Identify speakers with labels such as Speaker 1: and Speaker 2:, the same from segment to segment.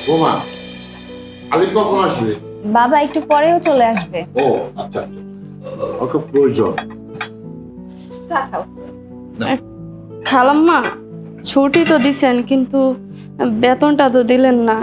Speaker 1: বোমা, আলিফ কখন আসবে?
Speaker 2: বাবা একটু পরেও চলে আসবে।
Speaker 1: ও আচ্ছা আচ্ছা, ওকে প্রয়োজন।
Speaker 3: খালাম্মা, ছুটি তো দিছেন কিন্তু বেতনটা তো দিলেন না।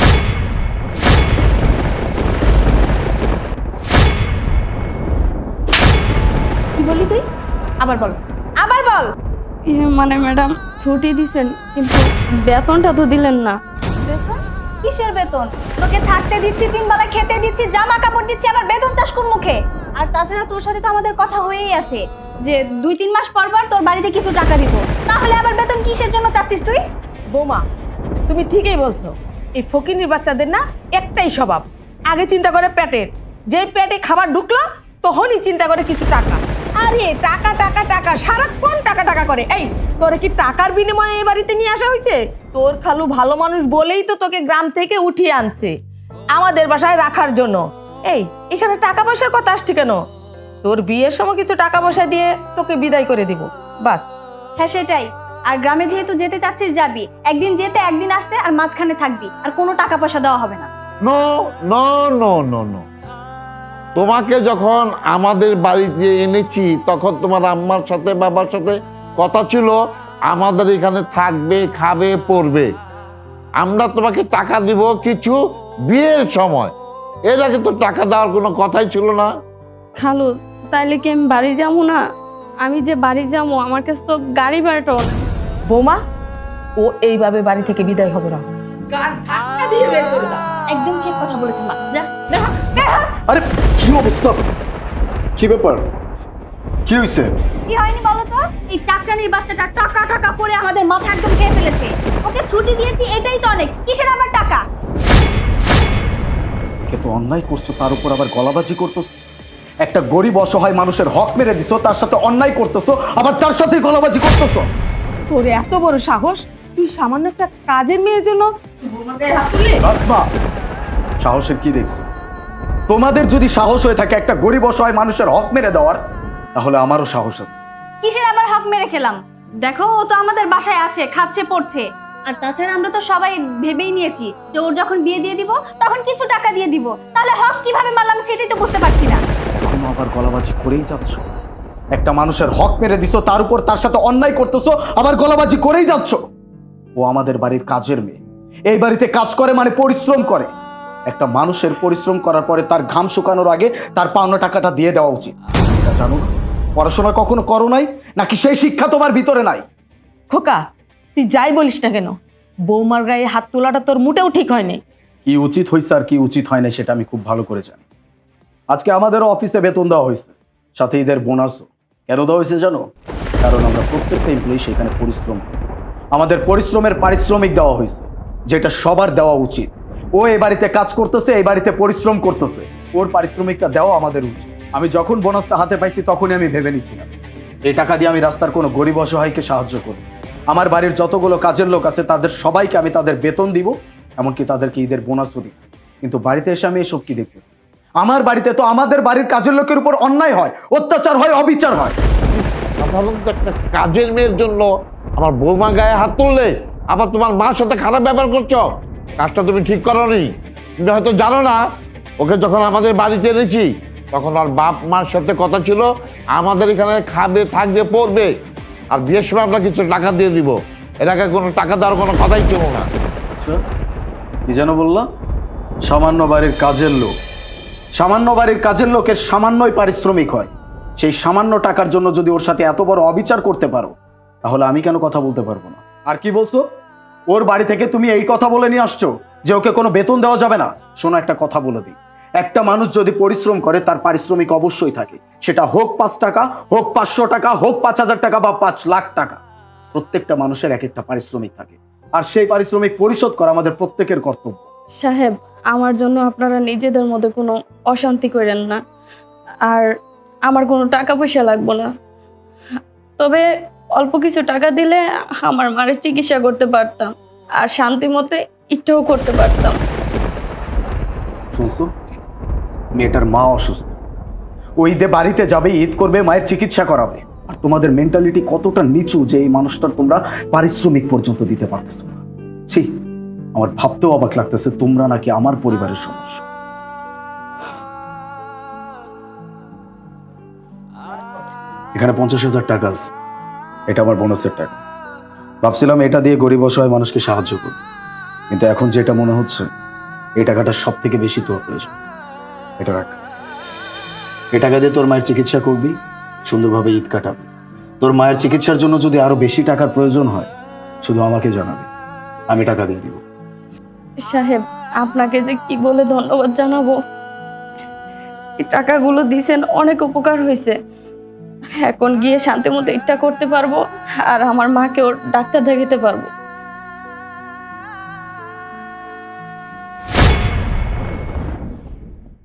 Speaker 2: কি বলি তুই? আবার বল, আবার বল।
Speaker 3: মানে ম্যাডাম, ছুটি দিছেন কিন্তু বেতনটা তো দিলেন না।
Speaker 2: বেতন? কিসের বেতন? তোকে থাকতে দিচ্ছি, 3 বেলা খেতে দিচ্ছি, জামা কাপড় দিচ্ছি, আবার বেতন চাস কোন মুখে? আর তাছাড়া তোর সাথে তো আমাদের কথা হয়েই আছে যে 2-3 মাস পর পর তোর বাড়িতে কিছু টাকা দিব। তাহলে আবার বেতন কিসের জন্য চাচ্ছিস তুই?
Speaker 4: বৌমা, তুমি ঠিকই বলছো। এই ফকিনীর বাচ্চাদের না একটাই স্বভাব, আগে চিন্তা করে পেটের, যেই পেটে খাবার ঢুকলো তখনই চিন্তা করে কিছু টাকা। আরে টাকা টাকা টাকা, সারাক্ষণ টাকা টাকা করে। এই তোরে কি টাকার বিনিময়ে এই বাড়িতে নিয়ে আসা হয়েছে? তোর খালু ভালো মানুষ বলেই তো তোকে গ্রাম থেকে উঠিয়ে আনছে আমাদের বাসায় রাখার জন্য। এই এখানে টাকা পয়সার কথা আসছে কেন? তোর বিয়ের সময় কিছু টাকা পয়সা দিয়ে তোকে বিদায় করে দিব, বাস।
Speaker 2: হ্যাঁ সেটাই। আর গ্রামে যেহেতু যেতে চাচ্ছিস যাবি, একদিন যেতে একদিন আসতে, আর মাঝখানে থাকবি, আর কোনো টাকা পয়সা দেওয়া হবে না।
Speaker 1: No no no no no, তোমাকে যখন আমাদের বাড়িতে এনেছি তখন তোমার আম্মার সাথে বাবার সাথে কথা ছিল আমাদের এখানে থাকবে, খাবে, পড়বে। আমরা তোমাকে টাকা দিব কিছু বিয়ের সময়, এর আগে তো টাকা দেওয়ার কোনো কথাই ছিল না।
Speaker 3: খালু, তাইলে কি আমি বাড়ি যাবো না? আমি যে বাড়ি যাবো, আমার কাছে তো গাড়ি ভাড়াটাও না।
Speaker 4: বৌমা, ও এইভাবে বাড়ি থেকে বিদায় হবে না। গান ধাক্কা দিয়ে বের করে দাও।
Speaker 2: একদম ঠিক কথা বলেছে মা। যা।
Speaker 5: আরে কি অবস্থা, কি ব্যাপার, কি হয়েছে?
Speaker 2: কি হয়নি বলো তো? এই চাকরানির বাচ্চাটা টাকা টাকা করে আমাদের মাথা একদম খেয়ে ফেলেছে। ওকে ছুটি দিয়েছি, এটাই তো অনেক। কিসের আবার টাকা?
Speaker 5: কে তো অন্যায় করছো, তার উপর আবার গলাবাজি করতেছো। একটা গরিব অসহায় মানুষের হক মেরে দিছো, তার সাথে অন্যায় করতেছো, আবার তার সাথে গলাবাজি করতেছো।
Speaker 4: তোর এত বড় সাহস, তুই সামান্য একটা কাজের মেয়ের জন্য বৌমার গায়ে হাত তুললি?
Speaker 5: আসমা, সাহসের কি দেখছো? তোমাদের যদি সাহস হয়ে থাকে একটা গরিব অসহায় মানুষের হক মেরে দেওয়ার, তাহলে আমারও সাহস আছে।
Speaker 2: কিসের আবার হক মেরে খেলাম? দেখো, ও তো আমাদের বাসায় আছে, খাচ্ছে পড়ছে। আর তাছাড়া আমরা তো সবাই ভেবেই নিয়েছি যে ওর যখন বিয়ে দিয়ে দিব তখন কিছু টাকা দিয়ে দিব। তাহলে হক কিভাবে মারলাম সেটাই তো বুঝতে পারছি না।
Speaker 5: এখনো আবার গলাবাজি করেই যাচ্ছ। একটা মানুষের হক মেরে দিছো, তার উপর তার সাথে অন্যায় করতেছো, আবার গলাবাজি করেই যাচ্ছ। ও আমাদের বাড়ির কাজের মেয়ে, এই বাড়িতে কাজ করে মানে পরিশ্রম করে। একটা মানুষের পরিশ্রম করার পরে তার ঘাম শুকানোর আগে তার পাওনা টাকাটা দিয়ে দেওয়া উচিত। এটা জানো না? পড়াশোনা কখনো করো নাই নাকি সেই শিক্ষা তোমার ভিতরে নাই?
Speaker 4: খোকা, তুই যাই বলিস না কেন, বৌমার গায়ে হাত তোলাটা তোর মোটেও ঠিক হয়নি।
Speaker 5: কি উচিত হয়েছে আর কি উচিত হয় না সেটা আমি খুব ভালো করে জানি। আজকে আমাদেরও অফিসে বেতন দেওয়া হয়েছে, সাথে ঈদের বোনাসও। কেন দেওয়া হয়েছে জানো? কারণ আমরা প্রত্যেকটা এমপ্লয়ি সেখানে পরিশ্রম করি। আমাদের পরিশ্রমের পারিশ্রমিক দেওয়া হয়েছে, যেটা সবার দেওয়া উচিত। ও এই বাড়িতে কাজ করতেছে, এই বাড়িতে পরিশ্রম করতেছে, ওর পারিশ্রমিকটা দেওয়া আমাদের উচিত। আমি যখন বোনাসটা হাতে পাইছি তখনই আমি ভেবে নিছিলাম এই টাকা দিয়ে আমি রাস্তার কোনো গরিব অসহায়কে সাহায্য করব। আমার বাড়ির যতগুলো কাজের লোক আছে তাদের সবাইকে আমি তাদের বেতন দিব, এমনকি তাদেরকে ঈদের বোনাসও দিব। কিন্তু বাড়িতে এসে আমি এসব কি দেখতেছি? আমার বাড়িতে তো আমাদের বাড়ির কাজের লোকের উপর অন্যায় হয়, অত্যাচার হয়, অবিচার হয়।
Speaker 1: সাধারণত একটা কাজের মেয়ের জন্য আমার বৌমা গায়ে হাত তুললে আবার তোমার মার সাথে খারাপ ব্যবহার করছো, কাজটা তুমি ঠিক করোনি। তুমি হয়তো জানো না, ওকে যখন আমাদের বাড়িতে এনেছি তখন ওর বাপ মার সাথে কথা ছিল আমাদের এখানে খাবে, থাকবে, পড়বে, আর বিয়ের সময় আমরা কিছু টাকা দিয়ে দিব। এর আগে কোনো টাকা দেওয়ার কোনো কথাই ছিল না।
Speaker 5: আচ্ছা, কি যেন বললাম? সামান্য বাড়ির কাজের লোক, সামান্য বাড়ির কাজের লোকের সামান্যই পারিশ্রমিক হয়। সেই সামান্য টাকার জন্য যদি ওর সাথে এত বড় অবিচার করতে পারো, তাহলে আমি কেন কথা বলতে পারবো না? আর কি বলছো? ওর বাড়ি থেকে তুমি এই কথা বলে নিয়ে আসছো যে ওকে কোনো বেতন দেওয়া যাবে না? শোনো, একটা কথা বলে দিই, একটা মানুষ যদি পরিশ্রম করে তার পারিশ্রমিক অবশ্যই থাকে, সেটা হোক 5 টাকা, হোক 500 টাকা, হোক 5000 টাকা বা 5 লাখ টাকা। প্রত্যেকটা মানুষের এক একটা পারিশ্রমিক থাকে, আর সেই পারিশ্রমিক পরিশোধ করা আমাদের প্রত্যেকের কর্তব্য।
Speaker 3: সাহেব, আমার জন্য আপনারা নিজেদের মধ্যে কোনো অশান্তি করেন না। আর আমার কোনো টাকা পয়সা লাগবে না, তবে অল্প কিছু টাকা দিলে আমার মায়ের চিকিৎসা করতে পারতাম, আর শান্তি মতে ইচ্ছাও করতে পারতাম।
Speaker 5: শুনছো, মেয়েটার মা অসুস্থ, ও ঈদে বাড়িতে যাবে, ঈদ করবে, মায়ের চিকিৎসা করাবে। আর তোমাদের মেন্টালিটি কতটা নিচু যে এই মানুষটার তোমরা পারিশ্রমিক পর্যন্ত দিতে পারতেছো না। ছি, আমার ভাবতেও অবাক লাগতেছে তোমরা নাকি আমার পরিবারের সদস্য। এখানে 50,000 টাকা আছে, এটা আমার বোনাসের টাকা। ভাবছিলাম এটা দিয়ে গরিব অসহায় মানুষকে সাহায্য করব, কিন্তু এখন যেটা মনে হচ্ছে এই টাকাটা সব থেকে বেশি তোর প্রয়োজন। এটা রাখ, এই টাকা দিয়ে তোর মায়ের চিকিৎসা করবি, সুন্দরভাবে ঈদ কাটাবি। তোর মায়ের চিকিৎসার জন্য যদি আরো বেশি টাকার প্রয়োজন হয় শুধু আমাকে জানাবি, আমি টাকা দিয়ে দিব।
Speaker 3: সাহেব, আপনাকে যে কি বলে ধন্যবাদ জানাবো। এই টাকাগুলো দিছেন, অনেক উপকার হয়েছে। এখন গিয়ে শান্তি মতো এটা করতে পারবো আর আমার মাকেও ডাক্তার দেখাতে পারবো।